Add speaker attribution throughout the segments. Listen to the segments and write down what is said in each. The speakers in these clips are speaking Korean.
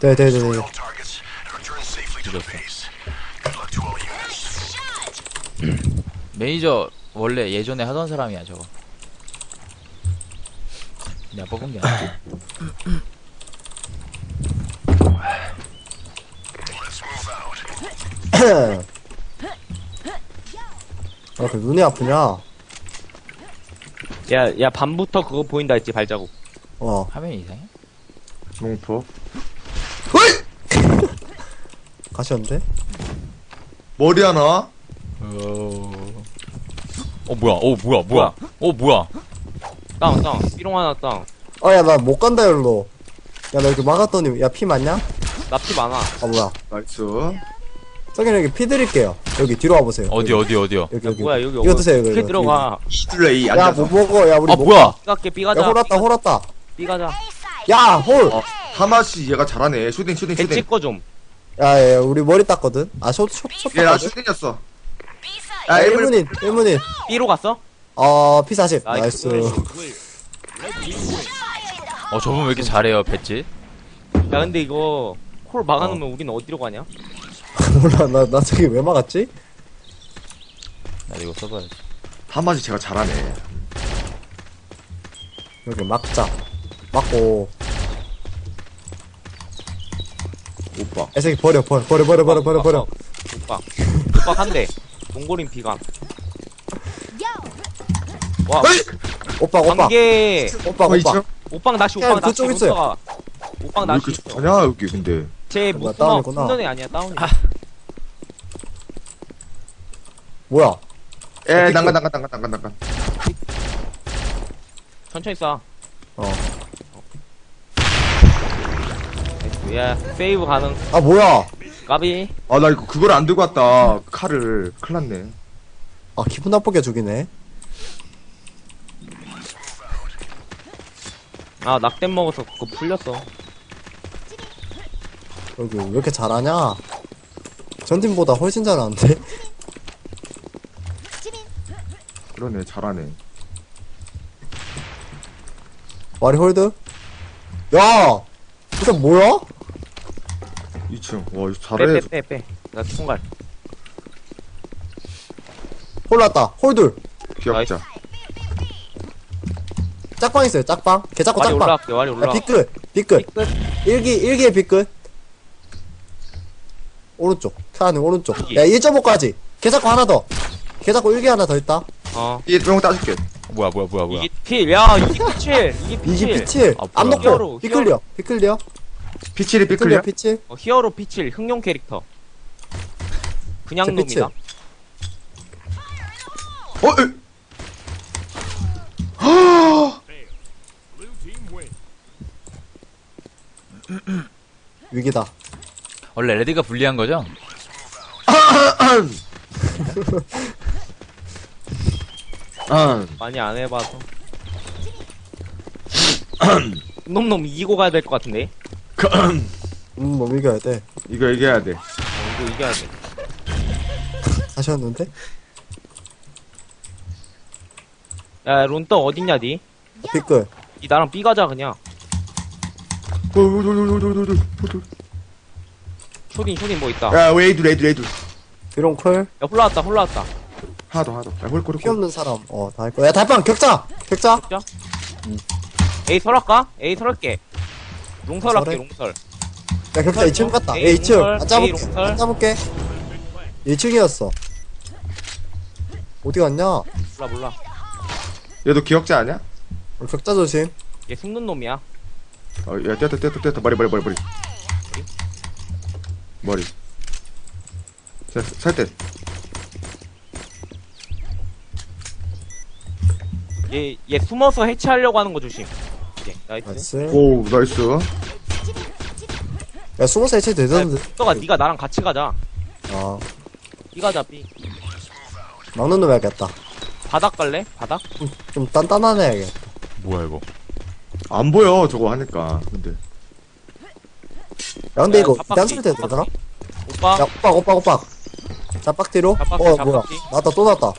Speaker 1: 네네네네.
Speaker 2: 매니저 원래 예전에 하던 사람이야 저거. 내가 뽑은 게 아니야.
Speaker 1: 아, 그 눈이 아프냐?
Speaker 3: 야, 밤부터 그거 보인다 했지, 발자국.
Speaker 2: 화면이 이상해?
Speaker 4: 농포.
Speaker 1: 가셨는데?
Speaker 4: 머리 하나?
Speaker 2: 뭐야? 뭐야? 뭐야?
Speaker 3: 다운. 삐롱 하나 다운.
Speaker 1: 야, 나 못 간다, 여기로. 야, 나 여기 막았더니, 야, 피 맞냐?
Speaker 3: 나 피 많아.
Speaker 1: 아, 뭐야.
Speaker 4: 나이스.
Speaker 1: 저기 여기 피 드릴게요. 여기 뒤로 와보세요.
Speaker 2: 어디요?
Speaker 1: 여기.
Speaker 3: 뭐야, 여기
Speaker 1: 이거 드세요, 이거.
Speaker 3: 어떻게 들어가?
Speaker 4: 히들레이
Speaker 1: 야,
Speaker 4: 앉아서.
Speaker 1: 못 먹어. 야, 우리
Speaker 2: 뭐야?
Speaker 3: 삐갈게,
Speaker 1: 야,
Speaker 3: 삐가자.
Speaker 1: 홀았다.
Speaker 3: 삐가자.
Speaker 1: 야, 홀!
Speaker 4: 하마씨 얘가 잘하네. 슈딩.
Speaker 3: 배 찍거 좀.
Speaker 1: 야, 우리 머리 땄거든? 아, 숏
Speaker 4: 얘 나
Speaker 1: 땄거든?
Speaker 4: 슈딩이었어.
Speaker 1: 야,
Speaker 4: 야,
Speaker 1: 1문인.
Speaker 3: 삐로 갔어?
Speaker 1: P40. 나이스.
Speaker 2: 저분 왜 이렇게 잘해요, 배지?
Speaker 3: 야, 근데 이거, 콜 막아놓으면 우리는 어디로 가냐?
Speaker 1: 몰라, 나 저기 왜 막았지?
Speaker 2: 나도 이거 써봐야지.
Speaker 4: 하마씨 제가 잘하네.
Speaker 1: 여기 막자. 막고.
Speaker 4: 오빠.
Speaker 1: 애새끼 버려.
Speaker 3: 오빠 한 대. 몽골인 비감. 와,
Speaker 1: 오빠.
Speaker 3: 관계.
Speaker 1: 오빠.
Speaker 3: 오빵 낚시,
Speaker 1: 야,
Speaker 3: 오빵 낚시.
Speaker 1: 그쪽 있어요.
Speaker 3: 오빠가. 오빵
Speaker 4: 왜
Speaker 3: 낚시
Speaker 4: 이렇게
Speaker 3: 있어.
Speaker 4: 잘하냐 여기 근데.
Speaker 3: 쟤
Speaker 1: 뭐야,
Speaker 3: 못 숨어.
Speaker 1: 다운이구나.
Speaker 3: 숨는 애 아니야, 다운이.
Speaker 1: 뭐야?
Speaker 4: 에 난간.
Speaker 3: 천천히 쏴.
Speaker 1: 어.
Speaker 3: 야, 세이브 가능.
Speaker 1: 아, 뭐야?
Speaker 3: 까비.
Speaker 4: 아 나 이거 그걸 안 들고 왔다. 칼을. 큰일 났네.
Speaker 1: 아, 기분 나쁘게 죽이네.
Speaker 3: 아, 낙댐 먹어서 그거 풀렸어.
Speaker 1: 여기 왜 이렇게 잘하냐? 전팀보다 훨씬 잘하는데?
Speaker 4: 그러네 잘하네.
Speaker 1: 와리 홀드? 야! 이거 뭐야?
Speaker 4: 2층. 와 이거 잘해.
Speaker 3: 빼. 나 총갈.
Speaker 1: 홀랐다. 홀둘.
Speaker 4: 귀엽자.
Speaker 1: 짝방 있어요, 짝방. 개 잡고
Speaker 3: 와리
Speaker 1: 짝방.
Speaker 3: 올라갈게, 와리
Speaker 1: 야,
Speaker 3: 올라가.
Speaker 1: 빗끝.
Speaker 3: 끝.
Speaker 1: 일기의 빗끝. 오른쪽. 칸 오른쪽.
Speaker 3: 여기.
Speaker 1: 야, 1.5까지. 개 잡고 하나 더. 개 잡고 일기 하나 더 있다.
Speaker 4: 얘 병 따줄게.
Speaker 2: 뭐야?
Speaker 3: 이게 필. 야, 이게 피칠. 이게
Speaker 1: 이기
Speaker 3: 피칠.
Speaker 1: 피칠.
Speaker 2: 아,
Speaker 1: 안
Speaker 2: 뭐야.
Speaker 1: 놓고. 피클리어.
Speaker 4: 피칠이 삐클리야?
Speaker 1: 피칠.
Speaker 3: 히어로 피칠. 흥룡 캐릭터. 그냥
Speaker 1: 저 피칠.
Speaker 3: 놈이다.
Speaker 1: 위기다.
Speaker 2: 원래 레드가 불리한 거죠?
Speaker 3: 많이 안 해봐서. 놈 이기고 가야 될 것 같은데.
Speaker 1: 뭐 이겨야 돼.
Speaker 4: 이거 얘기해야 돼.
Speaker 3: 이거 이겨야 돼.
Speaker 1: 하셨는데?
Speaker 3: 야, 론떡 어딨냐, 니?
Speaker 1: 빗끝.
Speaker 3: 니 나랑 B 가자, 그냥. 쇼딘 뭐 있다.
Speaker 4: 야 웨이드.
Speaker 1: 비롱콜.
Speaker 3: 야, 올라왔다.
Speaker 4: 하나 더. 야 홀꼬리.
Speaker 1: 피 없는 사람. 다 할 거야. 야, 달빵 격자.
Speaker 3: A 설할까? A 설할게. 롱설 할게,
Speaker 1: 설해?
Speaker 3: 롱설.
Speaker 1: 야, 격자 2층 갔다.
Speaker 3: A
Speaker 1: 2층.
Speaker 3: 롱설, A 롱설.
Speaker 1: 안 짜볼게. 2층이었어. 어디 갔냐?
Speaker 3: 몰라.
Speaker 4: 얘도 기억자 아니야?
Speaker 1: 격자 조심.
Speaker 3: 얘 숨는 놈이야.
Speaker 4: 야 떼었다. 머리. 자, 살때
Speaker 3: 얘 숨어서 해체하려고 하는 거 조심. 오케이, 나이스.
Speaker 1: 나이스.
Speaker 4: 오 나이스.
Speaker 1: 야, 숨어서 해체 되던데.
Speaker 3: 가 니가 나랑 같이 가자.
Speaker 1: 아,
Speaker 3: B 가자, B.
Speaker 1: 막는 놈 해야겠다.
Speaker 3: 바닥 갈래? 바닥?
Speaker 1: 좀 단단하네, 해야겠다.
Speaker 2: 뭐야 이거?
Speaker 4: 안 보여 저거 하니까. 근데
Speaker 1: 야, 근데
Speaker 3: 야,
Speaker 1: 이거
Speaker 3: 잡박기,
Speaker 1: 단소리 되더라?
Speaker 3: 잡박기. 오빠.
Speaker 1: 야, 오빠. 자빡 뒤로?
Speaker 3: 자빡기,
Speaker 1: 뭐야.
Speaker 3: 자빡기.
Speaker 1: 또 났다.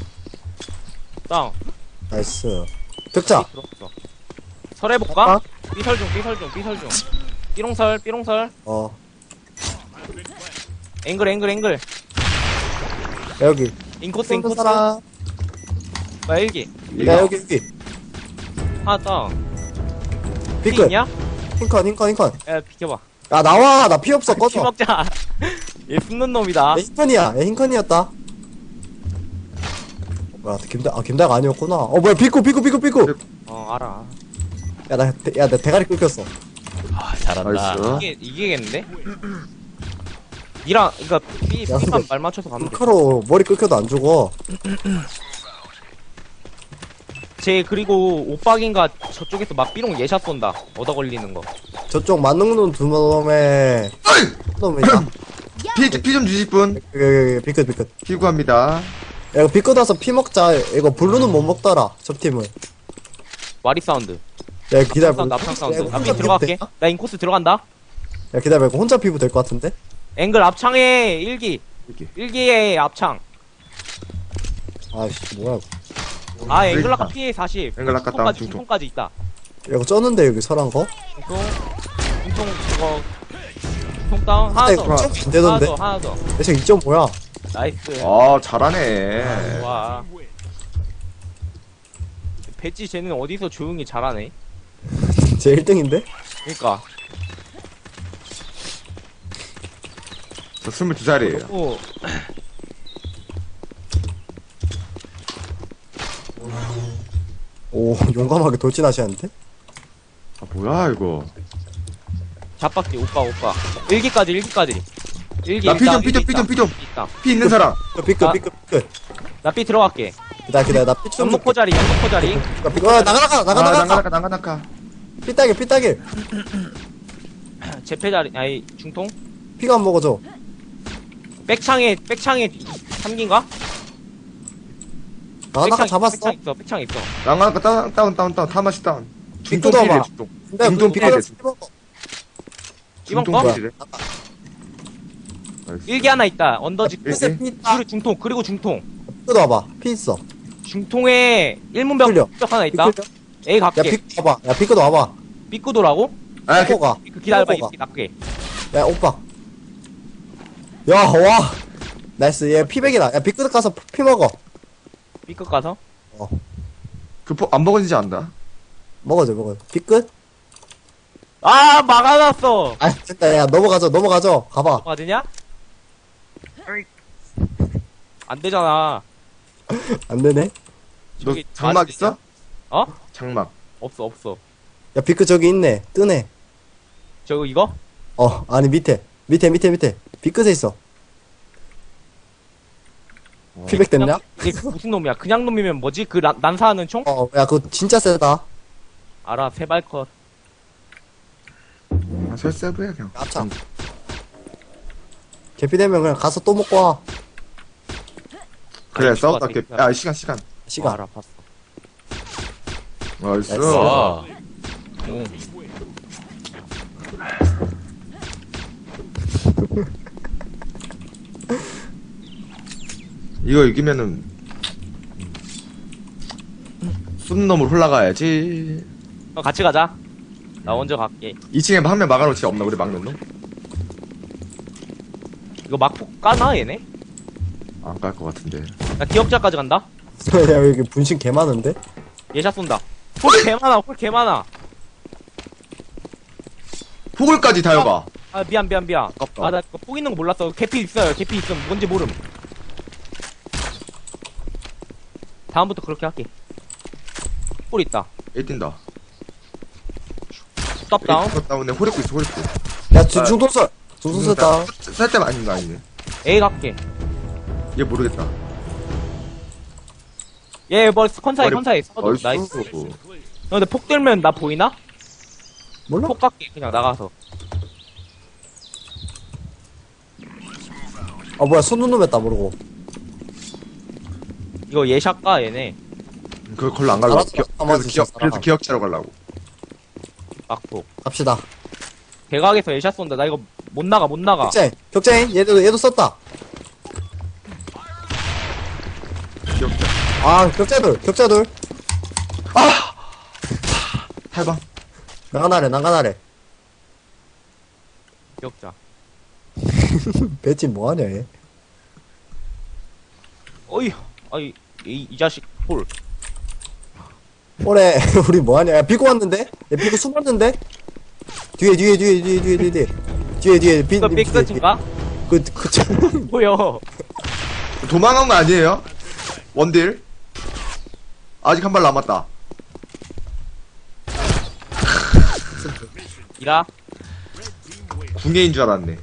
Speaker 3: 다운.
Speaker 1: 나이스. 격자.
Speaker 3: 들어왔어. 설해볼까? 삐설중. 삐롱설.
Speaker 1: 어.
Speaker 3: 앵글.
Speaker 1: 야, 여기.
Speaker 3: 인코스.
Speaker 1: 사람.
Speaker 3: 뭐야, 일기.
Speaker 1: 야, 여기.
Speaker 3: 하나 떠. 피
Speaker 1: 피크.
Speaker 3: 있냐?
Speaker 1: 흰컨.
Speaker 3: 야, 비켜봐.
Speaker 1: 야, 나와. 나 피 없어.
Speaker 3: 피
Speaker 1: 꺼져.
Speaker 3: 먹자. 얘 숨는 놈이다.
Speaker 1: 야, 흰컨이야. 흰컨이었다. 뭐야, 김다가 아니었구나. 뭐야, 피코.
Speaker 3: 알아.
Speaker 1: 나 대가리 끊겼어.
Speaker 2: 아, 잘한다.
Speaker 4: 나이스.
Speaker 3: 이기겠는데? 니랑, 그니까,
Speaker 1: 야,
Speaker 3: 삐만
Speaker 1: 근데
Speaker 3: 말 맞춰서 가면 돼.
Speaker 1: 피카로 머리 끊겨도 안 죽어.
Speaker 3: 그리고 오빡인가 저쪽에서 막 삐롱 예샷 쏜다. 얻어 걸리는 거.
Speaker 1: 저쪽 만능눈 두 놈에, 놈이다.
Speaker 4: 피 좀 주실 분?
Speaker 1: 여기, 피크.
Speaker 4: 피구합니다.
Speaker 1: 야, 이거 비끄 나서 피 먹자. 이거 블루는 못 먹더라. 저 팀은.
Speaker 3: 와리 사운드.
Speaker 1: 야, 기다려.
Speaker 3: 납창 사운드.
Speaker 1: 야, 이거
Speaker 3: 나
Speaker 1: 혼자
Speaker 3: 삐 들어갈게.
Speaker 1: 피부
Speaker 3: 나 인코스 들어간다.
Speaker 1: 야, 기다려. 이거 혼자 피부 될 것 같은데?
Speaker 3: 앵글 앞창에 일기.
Speaker 4: 일기.
Speaker 3: 일기에 앞창.
Speaker 1: 아이씨, 뭐야. 이거.
Speaker 3: 아, 앵글라카 피해 40.
Speaker 4: 앵글라카 다운 중통.
Speaker 3: 중통까지 있다.
Speaker 1: 야, 이거 쩌는데, 여기 설한 거?
Speaker 3: 중통 그거. 중통 다운. 하나
Speaker 1: 이거
Speaker 3: 더.
Speaker 1: 좀 안 되던데?
Speaker 3: 하나 더.
Speaker 1: 대체 2점 뭐야?
Speaker 3: 나이스.
Speaker 4: 아, 잘하네.
Speaker 3: 와. 배지 쟤는 어디서 조용히 잘하네.
Speaker 1: 제 1등인데?
Speaker 3: 그니까.
Speaker 4: 저 22살이에요.
Speaker 3: 오.
Speaker 1: 오, 용감하게 돌진하시는데?
Speaker 4: 아, 뭐야, 이거.
Speaker 3: 잡박지 오빠. 일기까지. 일기.
Speaker 4: 나 피 좀,
Speaker 3: 일기 있다.
Speaker 4: 피 좀.
Speaker 3: 있다.
Speaker 4: 피 있는 사람.
Speaker 1: 피크.
Speaker 3: 나 삐 들어갈게.
Speaker 1: 기다려. 나 피 좀.
Speaker 3: 연목포 자리.
Speaker 1: 나가. 삐따길.
Speaker 3: 제패 자리. 아니 중통.
Speaker 1: 피가 안 먹어줘.
Speaker 3: 백창에 삼긴가?
Speaker 1: 나가 잡았어.
Speaker 3: 백창 있어.
Speaker 4: 나가나까 다운. 타마시 다운. 중통
Speaker 1: 삐끗
Speaker 4: 피해,
Speaker 1: 와봐.
Speaker 4: 중통.
Speaker 1: 근데
Speaker 4: 중통
Speaker 1: 피
Speaker 4: 피해,
Speaker 1: 먹어.
Speaker 4: 중통.
Speaker 3: 이번
Speaker 4: 중통
Speaker 3: 거?
Speaker 4: 피해.
Speaker 3: 일기 하나 있다. 언더지.
Speaker 4: 일기?
Speaker 1: 피 있다.
Speaker 3: 그리고 중통.
Speaker 1: 피도 와봐. 피 있어.
Speaker 3: 중통에 일문벽
Speaker 1: 흘려.
Speaker 3: 하나 있다.
Speaker 1: 피클려?
Speaker 3: A
Speaker 1: 야,
Speaker 3: 갈게.
Speaker 1: 피 와봐. 야, 피크도 와봐.
Speaker 3: 삐꾸도라고?
Speaker 4: 아,
Speaker 1: 피코가.
Speaker 3: 그 기다려봐.
Speaker 1: 피코가.
Speaker 3: 이 낫게.
Speaker 1: 야, 오빠. 야, 와. 나이스. 얘 피백이다. 야, 피크드 가서 피 먹어.
Speaker 3: 삐끗 가서.
Speaker 4: 안 먹어지지 않나?
Speaker 1: 먹어줘. 피끝?
Speaker 3: 아 막아놨어.
Speaker 1: 아, 됐다. 야, 넘어가죠. 가봐.
Speaker 3: 맞으냐? 안 되잖아.
Speaker 1: 안 되네.
Speaker 4: 너
Speaker 3: 저기
Speaker 4: 장막
Speaker 3: 맞지?
Speaker 4: 있어?
Speaker 3: 어?
Speaker 4: 장막.
Speaker 3: 없어.
Speaker 1: 야, 피크 저기 있네. 뜨네.
Speaker 3: 저거 이거?
Speaker 1: 아니, 밑에. 피끝에 있어. 피백 됐냐?
Speaker 3: 이게 그 무슨 놈이야? 그냥 놈이면 뭐지? 그 난사하는 총?
Speaker 1: 야, 그거 진짜 세다.
Speaker 3: 알아. 세발컷.
Speaker 4: 아, 설세브야, 그냥.
Speaker 1: 아차. 개피 되면 그냥 가서 또 먹고 와.
Speaker 4: 그래,
Speaker 3: 아니,
Speaker 4: 싸웠다.
Speaker 3: 이거
Speaker 4: 야, 시간.
Speaker 1: 시간.
Speaker 3: 알아. 봤어.
Speaker 4: 나이스.
Speaker 1: 나이스.
Speaker 2: 와. 오.
Speaker 4: 이거 이기면은 쏜 놈으로 올라가야지.
Speaker 3: 같이 가자. 나 먼저 갈게.
Speaker 4: 2층에 한 명 막아놓지 없나? 우리 막는 놈?
Speaker 3: 이거 막폭 까나 얘네?
Speaker 4: 안 깔 것 같은데.
Speaker 3: 나 기억자까지 간다.
Speaker 1: 야, 여기 분신 개 많은데?
Speaker 3: 예샷 쏜다. 홀 개 많아.
Speaker 4: 포글까지 다여가.
Speaker 3: 아 미안.
Speaker 4: 아깝다.
Speaker 3: 아 나 폭 있는 거 몰랐어. 개피 있어요. 개피 있음. 뭔지 모름. 다음부터 그렇게 할게. 홀 있다.
Speaker 4: 1뛴다.
Speaker 3: 스톱 다운.
Speaker 4: 다운에 호레코 있어, 호레코.
Speaker 1: 야, 중통설 다운.
Speaker 4: 살때만 아닌 거 아니네.
Speaker 3: A 갈게.
Speaker 4: 얘 모르겠다.
Speaker 3: 얘 뭐 컨사이
Speaker 4: 나이스.
Speaker 3: 나이스. 너 근데 폭 들면 나 보이나?
Speaker 1: 몰라?
Speaker 3: 폭 갈게. 그냥 나가서.
Speaker 1: 뭐야, 손눈놈 했다, 모르고.
Speaker 3: 이거 예샷 가 얘네.
Speaker 4: 그거 걸로 안 가려고.
Speaker 1: 알았어.
Speaker 4: 그래서 기억자로 가려고.
Speaker 3: 막폭.
Speaker 1: 갑시다.
Speaker 3: 대각에서 예샷 쏜다. 나 이거 못 나가.
Speaker 1: 격자인. 얘도 썼다.
Speaker 4: 기억자.
Speaker 1: 격자돌.
Speaker 4: 탈방.
Speaker 1: 난간아래.
Speaker 3: 기억자.
Speaker 1: 배지 뭐하냐, 얘.
Speaker 3: 어이, 아이, 이 자식, 홀.
Speaker 1: 올해, 우리 뭐하냐. 야, 비고 왔는데? 야, 비고 숨었는데? 뒤에. 뒤에,
Speaker 3: 이거 빅서진가? 뭐여?
Speaker 4: 도망간 거 아니에요? 원딜? 아직 한 발 남았다.
Speaker 3: 이라?
Speaker 4: 궁예인 줄 알았네.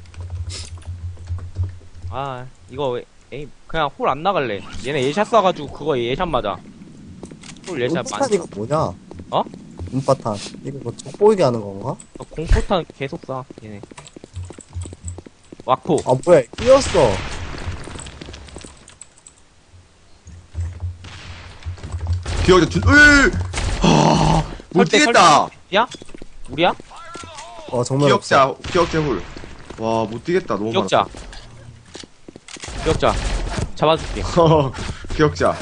Speaker 3: 아, 이거 왜, 에이, 그냥 홀 안 나갈래. 얘네 예샷 쏴가지고 그거 예샷 맞아. 홀 예샷
Speaker 1: 운바탄
Speaker 3: 많이.
Speaker 1: 이거 뭐냐?
Speaker 3: 어?
Speaker 1: 운바탄. 이거 뭐 족보이게 하는 건가?
Speaker 3: 공포탄 계속 쏴, 얘네. 와코.
Speaker 1: 아, 뭐야, 끼었어.
Speaker 4: 기억자 준, 못 뛰겠다.
Speaker 3: 야? 우리야?
Speaker 1: 정말 없어.
Speaker 4: 기억자 훌. 와, 못 뛰겠다. 너무
Speaker 3: 기억자. 기억자. 잡아줄게.
Speaker 4: 많아. 기억자.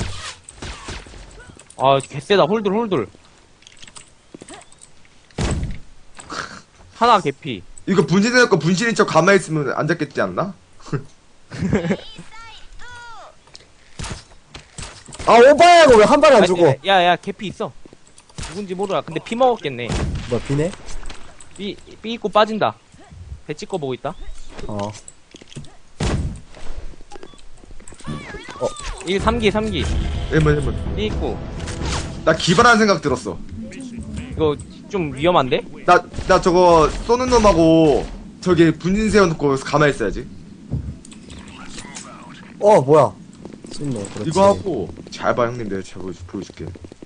Speaker 3: 아, 개쎄다. 홀들. 하나 개피.
Speaker 4: 이거 분신해놓고 분신인 척 가만히 있으면 안 잡겠지 않나?
Speaker 1: 아, 오빠야, 이거 왜 한 발에 안 주고?
Speaker 3: 야, 개피 있어. 누군지 몰라. 근데 피 먹었겠네.
Speaker 1: 뭐, 비네?
Speaker 3: 삐 입고 빠진다. 배 찍고 보고 있다. 이게 3기.
Speaker 4: 1번.
Speaker 3: 삐 입고.
Speaker 4: 나 기발한 생각 들었어.
Speaker 3: 이거 좀 위험한데?
Speaker 4: 나 저거 쏘는 놈하고 저기 분신 세워놓고 가만히 있어야지.
Speaker 1: 뭐야. 쏜네, 그렇지.
Speaker 4: 이거 하고 잘 봐 형님, 내가 제가 보여줄게.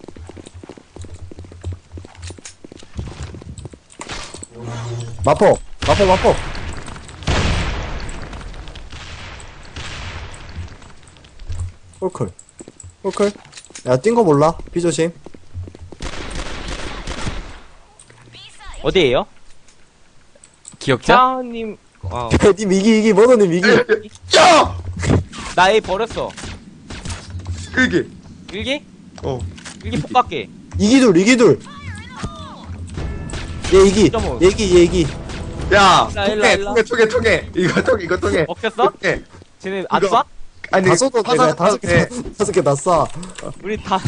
Speaker 1: 마포. 홀클. 야, 뛴 거 몰라? 비조심.
Speaker 3: 어디에요?
Speaker 2: 기억자?
Speaker 3: 자님.
Speaker 1: 님 이기, 머너님 이기.
Speaker 4: 야!
Speaker 3: 나 A 버렸어.
Speaker 4: 일기.
Speaker 3: 일기?
Speaker 4: 어.
Speaker 3: 일기 폭갈게.
Speaker 1: 이기둘. 얘 이기.
Speaker 3: 점오.
Speaker 1: 얘 이기.
Speaker 4: 야,
Speaker 3: 일라.
Speaker 4: 통해. 이거 통해.
Speaker 3: 먹혔어?
Speaker 4: 통해.
Speaker 3: 쟤네 안
Speaker 4: 이거-
Speaker 3: 쏴?
Speaker 4: 아니,
Speaker 1: 다 쏘도 내가 다섯 개 다 쏴.
Speaker 3: 우리 다.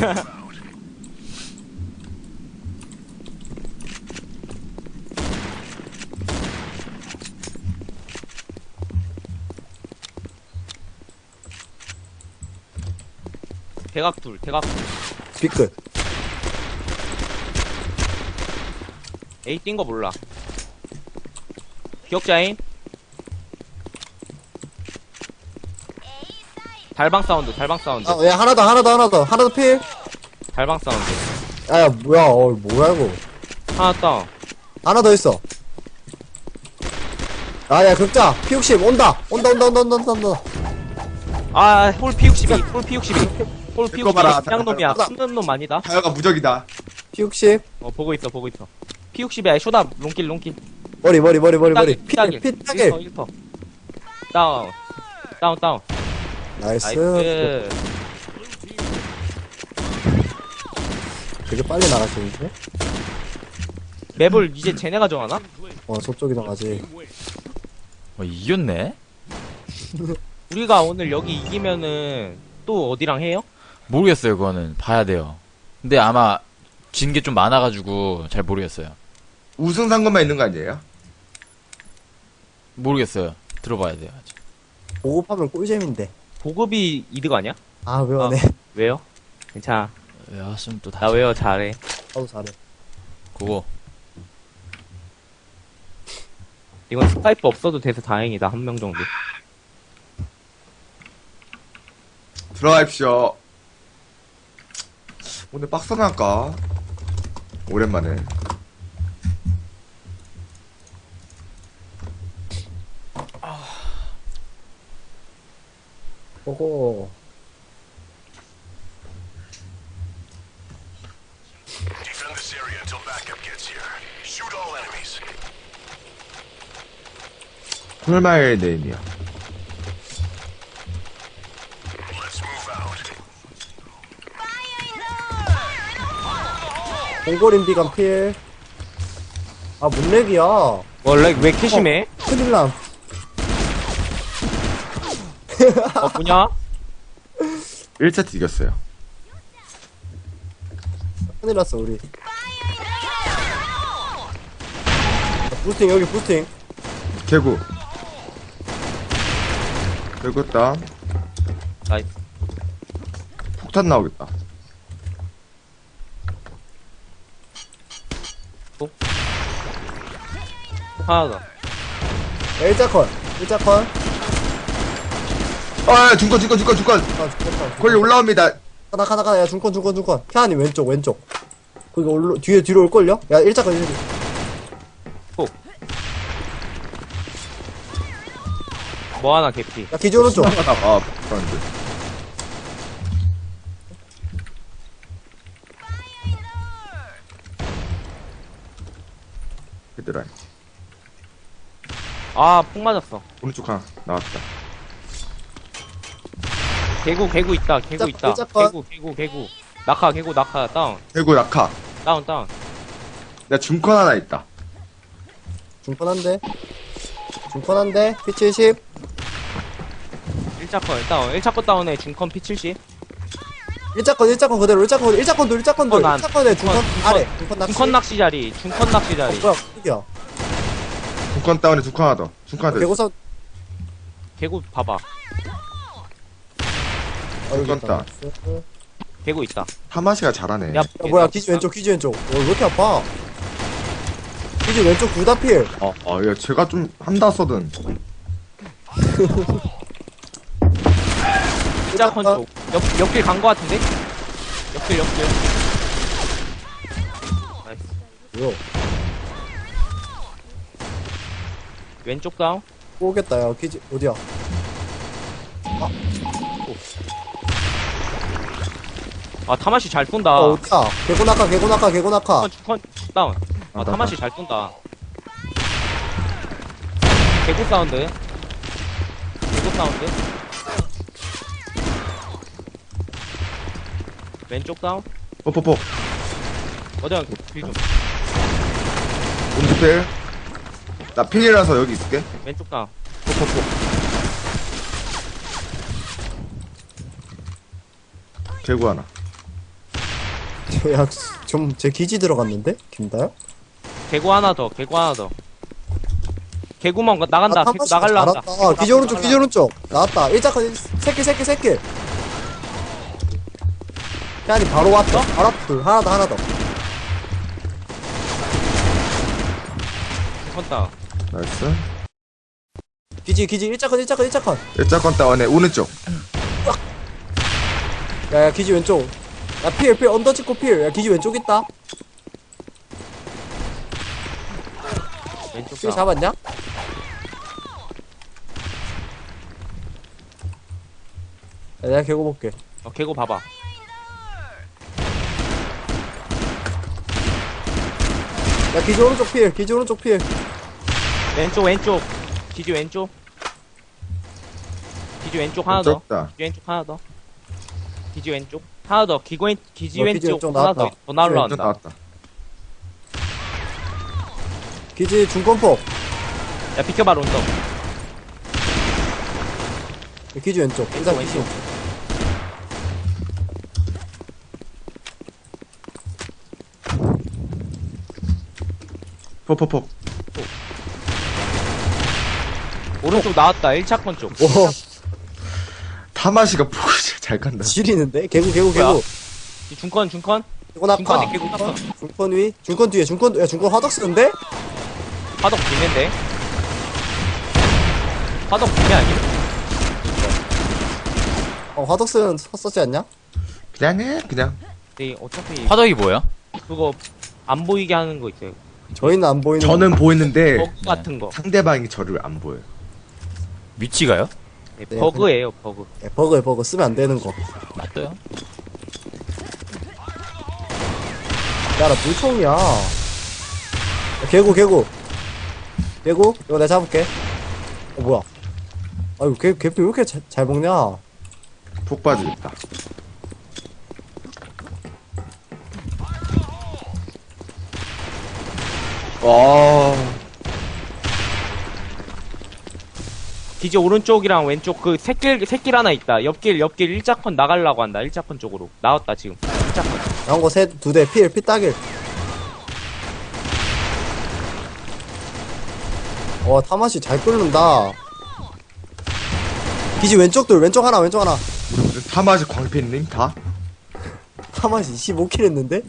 Speaker 3: 대각 둘.
Speaker 1: 빗끝.
Speaker 3: A 뛴 거 몰라. 기억자인. 달방 사운드.
Speaker 1: 야, 하나 더 필.
Speaker 3: 달방 사운드.
Speaker 1: 야, 뭐야, 뭐야, 이거.
Speaker 3: 하나 다운.
Speaker 1: 하나 더 있어. 야, 극자. P60, 온다.
Speaker 3: 아, 홀 P62. 홀
Speaker 4: 이거 봐라.
Speaker 3: P62. 그냥 놈이야.
Speaker 1: 하나.
Speaker 3: 숨는 놈 아니다.
Speaker 4: 다이어가 무적이다.
Speaker 1: P60.
Speaker 3: 보고 있어. P62야. 쇼다. 롱길.
Speaker 1: 머리.
Speaker 3: 따길.
Speaker 1: 피 타길.
Speaker 3: 1퍼. 다운.
Speaker 1: 나이스.
Speaker 3: 나이스.
Speaker 1: 되게 빨리 나가시는데?
Speaker 3: 맵을 이제 쟤네가 정하나?
Speaker 1: 저쪽이 나가지.
Speaker 2: 이겼네?
Speaker 3: 우리가 오늘 여기 이기면은 또 어디랑 해요?
Speaker 2: 모르겠어요, 그거는. 봐야 돼요. 근데 아마 진 게 좀 많아가지고 잘 모르겠어요.
Speaker 4: 우승 상금만 있는 거 아니에요?
Speaker 2: 모르겠어요. 들어봐야 돼요, 아직.
Speaker 1: 보급하면 꿀잼인데.
Speaker 3: 보급이 이득 아니야?
Speaker 1: 아, 왜안 해?
Speaker 3: 왜요? 괜찮아.
Speaker 2: 외웠으면 또
Speaker 3: 나
Speaker 2: 다시.
Speaker 3: 왜요? 잘해.
Speaker 1: 나도 잘해.
Speaker 2: 그거.
Speaker 3: 이건 스카이프 없어도 돼서 다행이다. 한 명 정도.
Speaker 4: 들어가십시오. 오늘 빡선 할까? 오랜만에.
Speaker 1: 오호.
Speaker 5: Defend this area until backup gets here. Shoot all enemies.
Speaker 4: 콜마일 네임이야.
Speaker 5: Let's move out.
Speaker 1: 공고림 비감 필. 아, 뭔 렉이야.
Speaker 3: 원래 왜 이렇게 심해?
Speaker 1: 큰일 남.
Speaker 3: 뭐냐?
Speaker 4: 1세트 이겼어요.
Speaker 1: 큰일 났어, 우리. 부스팅, 여기 부스팅.
Speaker 4: 개구. 개구 다운.
Speaker 3: 나이스.
Speaker 4: 폭탄 나오겠다.
Speaker 3: 하나 더.
Speaker 1: 야, 일자컨. 일자컨.
Speaker 4: 아, 중권.
Speaker 1: 아, 죽겠다.
Speaker 4: 거기 올라옵니다.
Speaker 1: 가다. 야, 중컨. 캬니 왼쪽. 거기 뒤로 올걸요? 야, 일자컨.
Speaker 3: 뭐 하나 개피.
Speaker 1: 야, 기지 오른쪽.
Speaker 4: 아, 폭탄인데. 얘들아,
Speaker 3: 아, 폭 맞았어.
Speaker 4: 오른쪽 하나 나왔다.
Speaker 3: 개구 있다. 개구 있다.
Speaker 1: 일자건.
Speaker 3: 개구. 낙하, 다운.
Speaker 4: 개구 낙하.
Speaker 3: 다운.
Speaker 4: 나 중컨 하나 있다.
Speaker 1: 중컨 한 대. P70.
Speaker 3: 1차건 다운. 1차건 다운에 중컨 P70.
Speaker 1: 일자컨 그대로. 일자컨도.
Speaker 3: 난.
Speaker 1: 일자컨에 중컨 아래. 중컨 낚시.
Speaker 3: 중컨 낚시 자리.
Speaker 1: 뭐야, 흑이야.
Speaker 4: 중컨 다운에 중컨 하나 더. 중컨 하나 더.
Speaker 1: 개고사.
Speaker 3: 개구 봐봐.
Speaker 4: 죽었다.
Speaker 3: 개구 있다.
Speaker 4: 하마시가 잘하네.
Speaker 3: 야,
Speaker 1: 뭐야, 기지 왼쪽. 왜 이렇게 아파? 기지 왼쪽 둘 다 필.
Speaker 4: 야, 제가 좀 한다 써든.
Speaker 3: 1차건 쪽. 옆길 간 거 같은데? 옆길. 나이스.
Speaker 1: 뭐야?
Speaker 3: 왼쪽 다운.
Speaker 1: 오겠다, 야, 기지, 어디야?
Speaker 3: 아, 타마시 잘 쏜다.
Speaker 1: 어디야? 개고 낙하.
Speaker 3: 중컨 다운. 아, 타마시 잘 쏜다. 개구 사운드. 왼쪽 다운.
Speaker 4: 뽀뽀뽀.
Speaker 3: 어디야, 길 좀.
Speaker 4: 오른쪽 필. 나 필이라서 여기 있을게.
Speaker 3: 왼쪽 다운.
Speaker 4: 뽀뽀뽀. 개구 하나.
Speaker 1: 야, 좀, 제 기지 들어갔는데? 김다요?
Speaker 3: 개구 하나 더. 개구만 나간다. 개구 나갈라 한다.
Speaker 1: 아, 기지 오른쪽. 나왔다. 일자컨, 새끼. 캬니 바로 왔다. 바로 앞 하나 더.
Speaker 3: 중컨 다운.
Speaker 4: 나이스.
Speaker 1: 기지, 일자컨.
Speaker 4: 일자건 다운에 오른쪽.
Speaker 1: 야, 기지 왼쪽. 야, 필, 언더 찍고 필. 야, 기지 왼쪽 있다.
Speaker 3: 왼쪽
Speaker 1: 필
Speaker 3: 다운.
Speaker 1: 잡았냐? 야, 내가 개고 볼게.
Speaker 3: 개구 봐봐.
Speaker 1: 야, 기지 오른쪽 필.
Speaker 3: 왼쪽. 기지 왼쪽. 하나 더.
Speaker 4: 다
Speaker 3: 기지 왼쪽. 하나 더. 기지
Speaker 1: 기지
Speaker 3: 왼쪽.
Speaker 1: 왼쪽
Speaker 3: 하나
Speaker 1: 나왔다.
Speaker 3: 더 날라온다.
Speaker 4: 나왔다.
Speaker 1: 기지 중권폭.
Speaker 3: 야, 비켜봐, 론더.
Speaker 1: 기지 왼쪽. 일단 기지
Speaker 3: 왼쪽.
Speaker 1: 왼쪽.
Speaker 4: 포포포.
Speaker 3: 오른쪽 나왔다. 1차건 쪽.
Speaker 1: 오,
Speaker 4: 타마시가 포잘 간다.
Speaker 1: 지리는데? 개구.
Speaker 3: 이 중컨.
Speaker 1: 개고 낙하.
Speaker 3: 중컨에 개구 땄어.
Speaker 1: 중권 위? 중권 뒤에. 중권 화덕 쓰는데?
Speaker 3: 화덕 비매인데. 화덕 비매 아니야?
Speaker 1: 화덕 썼지 않냐?
Speaker 4: 그냥 해, 그냥.
Speaker 3: 근데 어차피
Speaker 2: 화덕이 뭐야?
Speaker 3: 그거 안 보이게 하는 거 있어요.
Speaker 1: 저희는 안 보이는.
Speaker 4: 저는 보이는데
Speaker 3: 버그 같은 거.
Speaker 4: 상대방이 저를 안 보여요.
Speaker 2: 위치가요?
Speaker 3: 네,
Speaker 1: 네,
Speaker 3: 버그예요, 버그.
Speaker 1: 버그 쓰면 안 되는 거.
Speaker 2: 맞아요.
Speaker 1: 야, 나 물총이야. 야, 개구. 이거 내가 잡을게. 뭐야. 아유, 개피 왜 이렇게 잘 먹냐?
Speaker 4: 폭 빠지겠다. 와.
Speaker 3: 기지 오른쪽이랑 왼쪽 그 새길 하나 있다. 옆길 일자컨 나가려고 한다. 일자컨 쪽으로. 나왔다, 지금. 일자컨.
Speaker 1: 나온 거 셋, 두 대, 피 따길. 타맛이 잘 끓는다. 기지 왼쪽 하나.
Speaker 4: 우리 무슨 타마지 광팬님 다?
Speaker 1: 타맛이 25킬 했는데?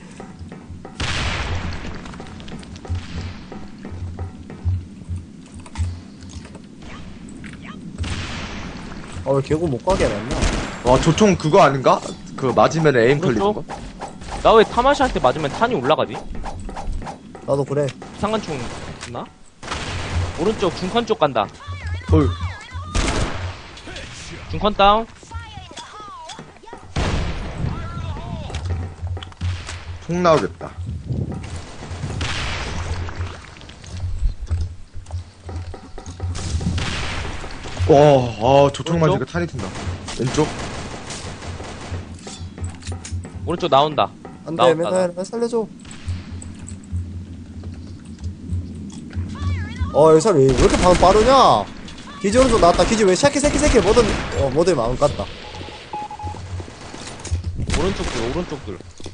Speaker 1: 왜 개구 못 가게 해놨냐?
Speaker 4: 와, 조총 그거 아닌가? 그 맞으면 에임 걸리는 거?
Speaker 3: 오른쪽? 나 왜 타마시한테 맞으면 탄이 올라가지?
Speaker 1: 나도 그래.
Speaker 3: 상관총 있나? 오른쪽 중컨 쪽 간다.
Speaker 4: 어휴.
Speaker 3: 중컨 다운.
Speaker 4: 총 나오겠다. 와, 조총
Speaker 3: 오른쪽?
Speaker 4: 맞으니까 탄이 튄다. 왼쪽?
Speaker 3: 오른쪽 나온다.
Speaker 1: 안 돼,
Speaker 3: 나왔다,
Speaker 1: 맨날 살려줘. 여기 사람 왜 이렇게 반응 빠르냐? 기지 오른쪽 나왔다. 기지 왜 새끼, 뭐든 마음 같다.
Speaker 3: 오른쪽들.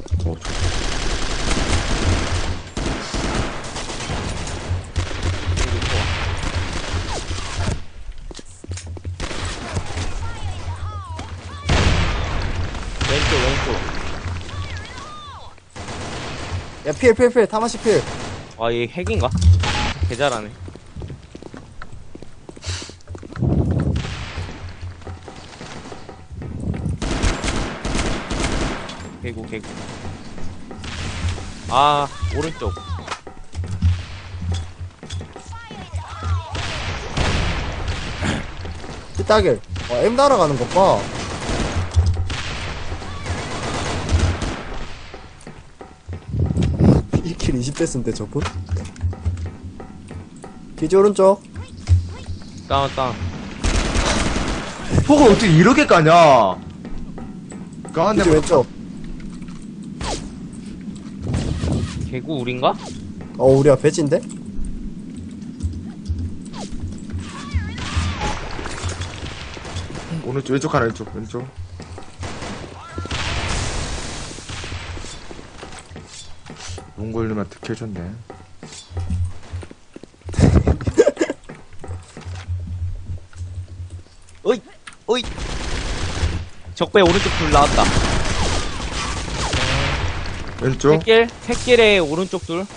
Speaker 3: 왼쪽.
Speaker 1: 야, 필. 타마시 필.
Speaker 3: 아, 얘 핵인가? 개 잘하네. 개구. 아, 오른쪽.
Speaker 1: 피 따길. M 날아가는 것 봐. 이 킬 20대 쓴데 저분? 기지 오른쪽.
Speaker 3: 다운.
Speaker 4: 폭을 어떻게 이렇게 까냐? 까한
Speaker 1: 기지
Speaker 4: 대만.
Speaker 1: 왼쪽.
Speaker 3: 개구 우린가?
Speaker 1: 우리가 배지인데?
Speaker 4: 오른쪽, 왼쪽 하나, 왼쪽. 몽골님한테 캐줬네.
Speaker 3: 어이. 적배 오른쪽 둘 나왔다.
Speaker 4: 왼쪽?
Speaker 3: 새길에 오른쪽 둘.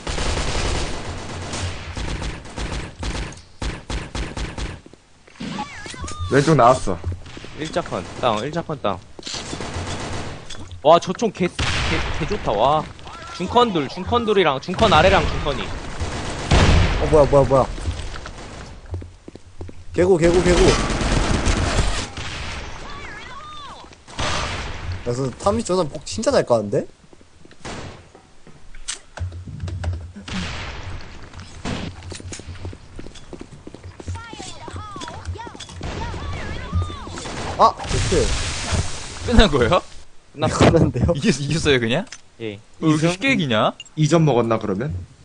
Speaker 4: 왼쪽 나왔어.
Speaker 3: 일자컨 다운. 와, 저 총 개 좋다, 와. 중컨들이랑 중컨 아래랑 중컨이.
Speaker 1: 뭐야. 개구. 그래서 탐미 저는 폭 진짜 잘 까는데? 좋지.
Speaker 2: 끝난 거예요?
Speaker 3: 끝났어.
Speaker 1: 끝났는데요?
Speaker 2: 이겼어요, 그냥?
Speaker 3: 예.
Speaker 2: 왜 이렇게 쉽게 이기냐?
Speaker 4: 2점 먹었나, 그러면?